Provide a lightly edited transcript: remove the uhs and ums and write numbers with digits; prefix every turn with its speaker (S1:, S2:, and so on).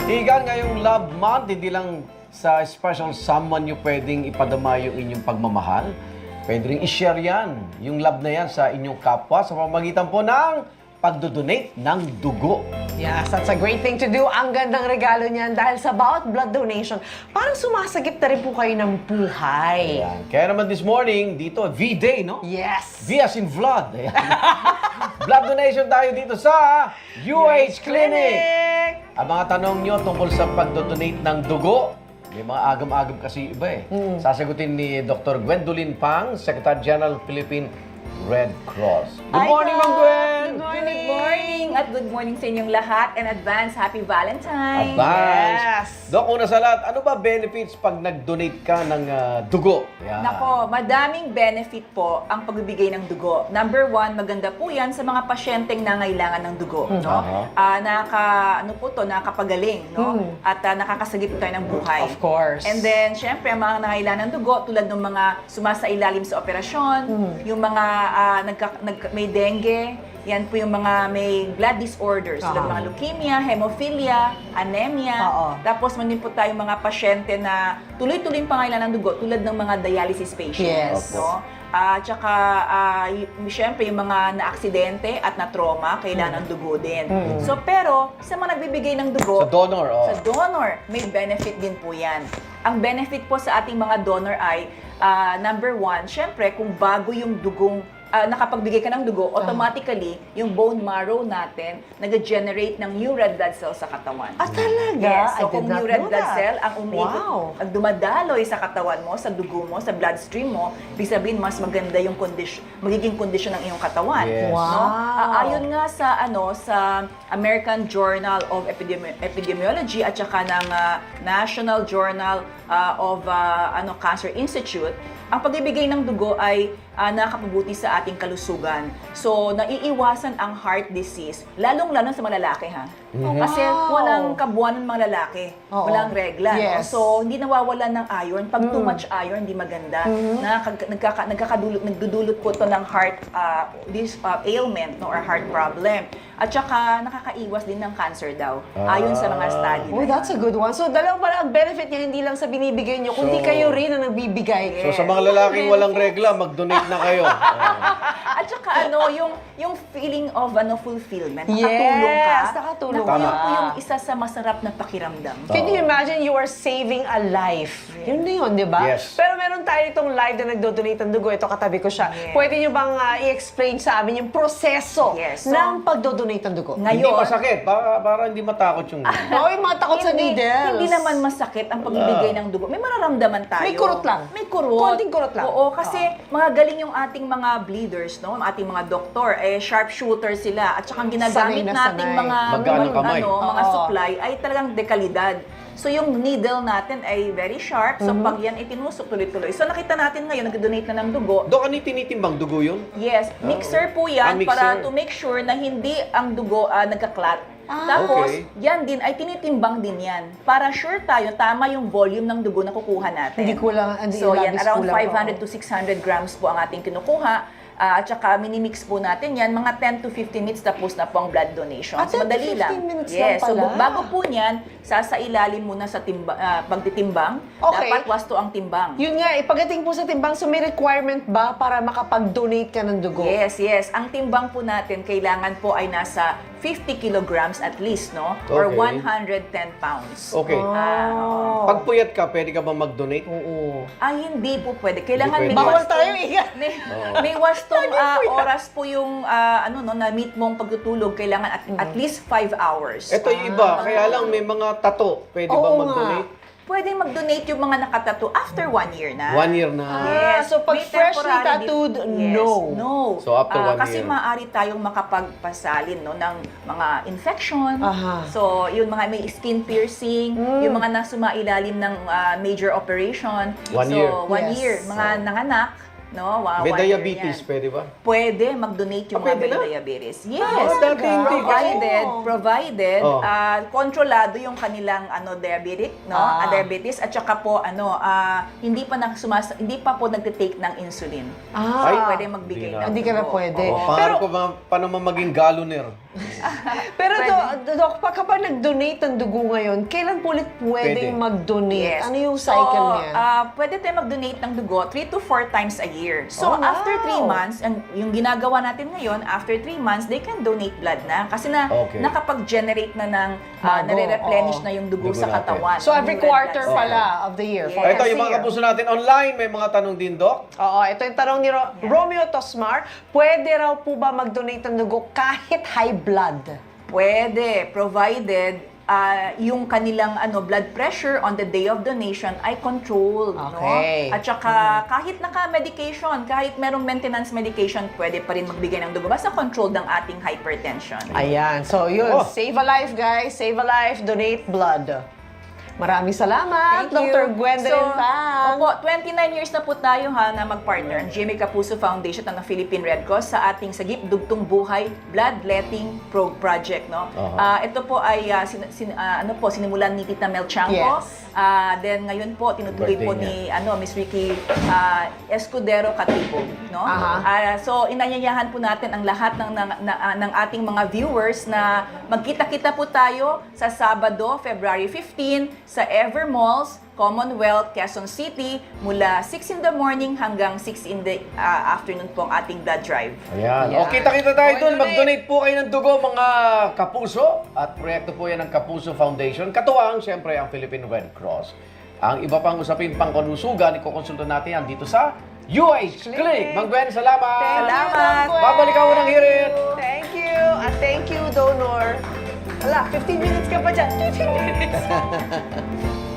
S1: Higa ngayong Love Month, hindi lang sa special someone nyo pwedeng ipadama yung inyong pagmamahal. Pwede rin i-share yan, yung love na yan sa inyong kapwa sa pamamagitan po ng pagdodonate ng dugo.
S2: Yes, that's a great thing to do. Ang gandang regalo niyan dahil sa bawat blood donation, parang sumasagip na rin po kayo ng buhay.
S1: Ayan. Kaya naman this morning, dito, V-Day, no?
S2: Yes.
S1: V as in blood. Ayan. Blood donation tayo dito sa UH Clinic. Ang mga tanong nyo tungkol sa pagdodonate ng dugo, may mga agam-agam kasi iba eh. Sasagutin ni Dr. Gwendolyn Pang, Secretary General Philippine Red Cross. Good morning, Ma'am Gwen!
S3: Good morning at good morning sa inyong lahat and advance happy Valentine's.
S1: Advance.
S2: Yes.
S1: Dok, una sa lahat, ano ba benefits pag nag-donate ka ng dugo? Yan.
S3: Nako, madaming benefit po ang pagbibigay ng dugo. Number one, maganda po yan sa mga pasyenteng nangailangan ng dugo. No? Nakakapagaling, no? At nakakasagip tayo ng buhay.
S2: Of course.
S3: And then, syempre, ang mga nangailangan ng dugo, tulad ng mga sumasailalim sa operasyon, yung mga may dengue, yan po yung mga may blood disorders, tulad ng mga leukemia, hemophilia, anemia. Tapos man din po tayong mga pasyente na tuloy-tuloy pangailangan ng dugo, tulad ng mga dialysis patients.
S2: Yes.
S3: No? Tsaka, syempre, yung mga na-aksidente at na-trauma, kailangan ng dugo din. So, pero, sa mga nagbibigay ng dugo,
S1: Sa donor,
S3: sa donor, may benefit din po yan. Ang benefit po sa ating mga donor ay, number one, syempre, kung bago yung dugong nakapagbigay ka ng dugo, automatically, yung bone marrow natin nag-generate ng new red blood cells sa katawan.
S2: Talaga?
S3: Yes.
S2: I
S3: So,
S2: did
S3: kung
S2: not
S3: new red
S2: know
S3: blood
S2: that.
S3: cell ang umikot,
S2: Wow.
S3: ang dumadaloy sa katawan mo, sa dugo mo, sa bloodstream mo, ibig sabihin, mas maganda yung magiging kondisyon ng iyong katawan.
S1: Yes.
S2: Wow.
S3: No? Ayon nga sa American Journal of Epidemiology at saka ng National Journal of Cancer Institute, ang pagbibigay ng dugo ay nakapabuti sa ating kalusugan. So, naiiwasan ang heart disease, lalong-lalo sa mga lalaki, ha? Kasi walang kabuuan ng mga lalaki. Walang regla.
S2: Yes.
S3: No? So, hindi nawawalan ng iron. Pag too much iron, hindi maganda. Nagdudulot po ito ng heart ailment, no, or heart problem. At saka, nakakaiwas din ng cancer daw. Ayon sa mga study.
S2: Oh, that's a good one. So, dalawa pala ang benefit niya, hindi lang sa binibigay niyo, kundi kayo rin ang nagbibigay.
S1: So sa mga lalaking walang regla, mag-donate na kayo.
S3: At saka yung feeling of fulfillment, nakatulong ka.
S2: Yes, nakatulong
S3: Naku, yun
S2: ka.
S3: po yung isa sa masarap na pakiramdam.
S2: Can you imagine you are saving a life? Yun na yun, di ba?
S1: Yes.
S2: Pero meron tayo itong live na nagdo-donate ng dugo. Ito, katabi ko siya.
S3: Yes.
S2: Pwede niyo bang i-explain sa amin yung proseso
S3: Yes. So,
S2: ng pagdo-donate ng dugo?
S1: Hindi
S3: Ngayon,
S1: masakit, para hindi matakot yung...
S2: Oo, yung mga takot sa needles.
S3: Hindi naman masakit ang pagbibigay ng dugo. May mararamdaman tayo.
S2: May kurot lang.
S3: May kurot.
S2: Konting kurot lang.
S3: Oo, kasi mga galing yung ating mga bleeders, no? Ang ating mga doktor, sharpshooter sila. At saka ang ginagamit
S2: Sanay na
S3: nating
S2: sanay.
S3: mga
S1: Magkano kamay?
S3: mga
S2: Oo.
S3: supply ay talagang dekalidad. So yung needle natin ay very sharp. So pag yan itinusok tuloy-tuloy. So nakita natin ngayon, nag-donate na ng dugo.
S1: Dok, ano yung tinitimbang dugo yun?
S3: Yes, mixer po yan
S1: mixer.
S3: para to make sure na hindi ang dugo nagka-clot. Tapos,
S1: Okay.
S3: yan din, ay tinitimbang din yan. Para sure tayo, tama yung volume ng dugo na kukuha natin.
S2: Hindi kulang, hindi
S3: So yan,
S2: labis
S3: around
S2: kulang,
S3: 500 to 600 grams po ang ating kinukuha. At saka minimix po natin yan, mga 10 to 15 minutes tapos na po ang blood donation.
S2: 10 to
S3: Madali
S2: 15 minutes
S3: yes,
S2: lang pala.
S3: so bago po niyan, sasailalim muna sa pagtitimbang.
S2: Okay.
S3: Dapat wasto ang timbang.
S2: Yun nga, pagdating po sa timbang, so may requirement ba para makapag-donate ka ng dugo?
S3: Yes, yes. Ang timbang po natin, kailangan po ay nasa 50 kilograms at least, no? Or
S1: Okay.
S3: 110 pounds.
S1: Okay. Pag puyat ka, pwede ka ba mag-donate?
S2: Oo.
S3: Hindi po pwede. Kailangan
S1: Hindi
S3: may
S1: pwede.
S2: Bawal
S3: wastong-
S2: tayo, Iga.
S3: May wastong oras po yung na-meet mong pagtutulog. Kailangan at least 5 hours.
S1: Ito yung iba, kaya lang may mga tato. Pwede ba
S2: Oo
S1: mag-donate?
S3: Pwede mag-donate yung mga nakatato after 1 year na.
S1: 1 year na.
S3: Yes.
S2: So, pag
S3: May
S2: freshly
S3: temporary
S2: tattooed,
S3: yes,
S2: no.
S3: No.
S1: So, after 1
S3: Kasi
S1: year.
S3: maaari tayong makapagpasalin no, ng mga infection.
S2: Aha.
S3: So, yung mga may skin piercing, yung mga nasumailalim ng major operation.
S1: 1
S3: so,
S1: year.
S3: 1
S2: Yes.
S3: year. Mga nanganak, no?
S1: May
S3: One year
S1: diabetes,
S3: yan.
S1: pwede ba?
S3: Pwede mag-donate yung
S1: pwede
S3: mga may
S1: na?
S3: diabetes. Yes.
S1: dati hindi
S3: Provided
S1: Oh.
S3: kontrolado yung kanilang diabetic, no? Diabetes at saka po hindi pa po nagte-take ng insulin.
S2: Ah.
S3: So, pwede magbigay ng
S2: Hindi ka na
S3: dugo.
S2: pwede.
S3: Oo.
S1: Pangarap ko ba, paano maging galoner?
S2: Pero
S3: Pwede.
S2: Dok, kapag nag-donate ng dugo ngayon, kailan po ulit pwedeng
S1: Pwede.
S2: mag-donate?
S3: Yes.
S2: Ano yung cycle niya?
S3: Pwede tayo mag-donate ng dugo 3 to 4 times a year. So,
S2: Oh, wow.
S3: after 3 months, yung ginagawa natin ngayon, after 3 months, they can donate blood na. Kasi
S1: Okay.
S3: nakapag-generate na ng,
S2: Bago,
S3: nare-replenish
S2: oo.
S3: na yung dugo
S1: Dugo
S3: sa
S1: natin.
S3: katawan.
S2: So every
S3: Yung red
S2: quarter
S3: blood cell.
S2: pala of the year.
S3: Yes.
S2: for
S1: Ito,
S2: every
S1: yung mga
S2: year.
S1: kapuso natin online, may mga tanong din, Doc.
S2: Oo, ito yung tanong ni Romeo Tosmar. Pwede raw po ba mag-donate ng dugo kahit high blood?
S3: Pwede, provided yung kanilang blood pressure on the day of donation ay controlled,
S2: Okay.
S3: no? At saka kahit naka-medication, kahit merong maintenance medication, pwede pa rin magbigay ng dugo basta controlled ang ating hypertension.
S2: Ayan. So yun,
S1: Oh.
S2: save a life guys. Save a life, donate blood. Maraming salamat,
S3: Thank you.
S2: Dr. Gwendolyn Pham.
S3: Opo, 29 years na po tayo na mag-partner, ang GMA Kapuso Foundation at ng Philippine Red Cross sa ating Sagip Dugtong Buhay Bloodletting Project, no? Ito po ay sinimulan ni Tita Mel Chanco.
S2: Yes.
S3: Then ngayon po tinutuloy po
S1: Birthday
S3: ni Miss Ricky Escudero Katipo, no? So inanyayahan po natin ang lahat ng ating mga viewers na magkita-kita po tayo sa Sabado, February 15 sa Ever Malls, Commonwealth, Quezon City, mula 6 in the morning hanggang 6 in the afternoon po ang ating blood drive.
S1: Ayan.
S2: Ayan.
S1: O, kita-kita tayo
S2: Go
S1: doon.
S2: donate.
S1: Mag-donate po kayo ng dugo, mga kapuso. At proyekto po yan ng Kapuso Foundation. Katuwang, siyempre, ang Philippine Red Cross. Ang iba pang usapin pang kalusugan, ikukonsulta natin yan dito sa UH Clinic. Mang Gwen, salamat!
S3: Salamat.
S1: Babalik ako ng hirit!
S2: Thank you. At thank you, donor. Wala, 15 minutes ka pa dyan. 15 minutes.